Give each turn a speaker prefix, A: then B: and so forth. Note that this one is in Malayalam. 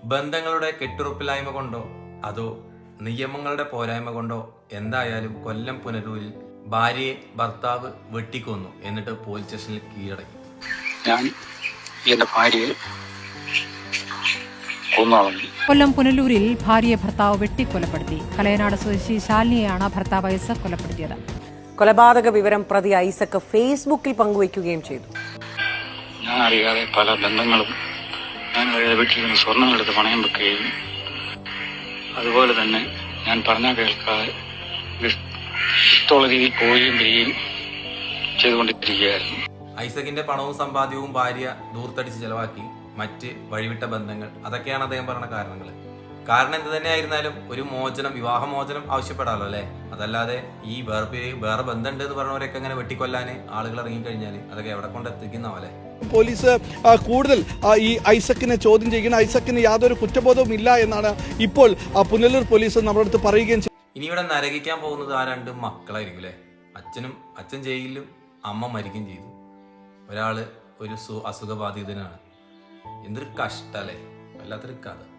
A: ബന്ധങ്ങളുടെ കെട്ടുറപ്പില്ലായ്മ കൊണ്ടോ അതോ നിയമങ്ങളുടെ പോരായ്മ കൊണ്ടോ എന്തായാലും കൊല്ലം പുനലൂരിൽ ഭാര്യയെ ഭർത്താവ് വെട്ടിക്കൊന്നു. എന്നിട്ട് പോലീസ് സ്റ്റേഷനിൽ കീഴടങ്ങി.
B: ഞാൻ എന്റെ ഭാര്യയെ
C: കൊല്ലം പുനലൂരിൽ ഭാര്യയെ ഭർത്താവ് വെട്ടിക്കൊലപ്പെടുത്തി. കലയനാട് സ്വദേശി ശാലിനിയെയാണ് ഭർത്താവ് ഐസക് കൊലപ്പെടുത്തിയത്.
D: കൊലപാതക വിവരം പ്രതി ഐസക് ഫേസ്ബുക്കിൽ പങ്കുവയ്ക്കുകയും ചെയ്തു.
B: ഞാൻ അറിയാതെ പല ബന്ധങ്ങളും ഞാൻ വീട്ടിൽ നിന്ന് സ്വർണ്ണമെടുത്ത് പണയം വെക്കുകയും അതുപോലെ തന്നെ ഞാൻ പറഞ്ഞാൽ കേൾക്കാതെ ഇഷ്ടമുള്ള രീതിയിൽ പോവുകയും വരികയും ചെയ്തുകൊണ്ടിരിക്കുകയായിരുന്നു.
A: ഐസകിന്റെ പണവും സമ്പാദ്യവും ഭാര്യ ദൂർത്തടിച്ച് ചെലവാക്കി. മറ്റ് വഴിവിട്ട ബന്ധങ്ങൾ, അതൊക്കെയാണ് അദ്ദേഹം പറഞ്ഞ കാരണങ്ങൾ. കാരണം എന്ത് തന്നെ ആയിരുന്നാലും ഒരു മോചനം, വിവാഹമോചനം ആവശ്യപ്പെടാമല്ലോ അല്ലെ. അതല്ലാതെ ഈ വേറെ ബന്ധമുണ്ട് എന്ന് പറഞ്ഞവരൊക്കെ അങ്ങനെ വെട്ടിക്കൊല്ലാന് ആളുകൾ ഇറങ്ങിക്കഴിഞ്ഞാൽ അതൊക്കെ എവിടെ കൊണ്ട് എത്തിക്കുന്നവല്ലേ.
E: പോലീസ് കൂടുതൽ ഈ ഐസക്കിനെ ചോദ്യം ചെയ്യുകയും ഐസക്കിന് യാതൊരു കുറ്റബോധവും ഇല്ല എന്നാണ് ഇപ്പോൾ പുനലൂർ പോലീസ് നമ്മുടെ അടുത്ത് പറയുകയും ചെയ്തു.
A: ഇനി ഇവിടെ നരകിക്കാൻ പോകുന്നത് ആ രണ്ട് മക്കളായിരിക്കും അല്ലേ. അച്ഛൻ ജയിലിലും അമ്മ മരിക്കുകയും ചെയ്തു. ഒരാള് ഒരു അസുഖബാധിതനാണ്. എന്തൊരു കഷ്ടല്ലേ, വല്ലാത്തൊരു കഥ.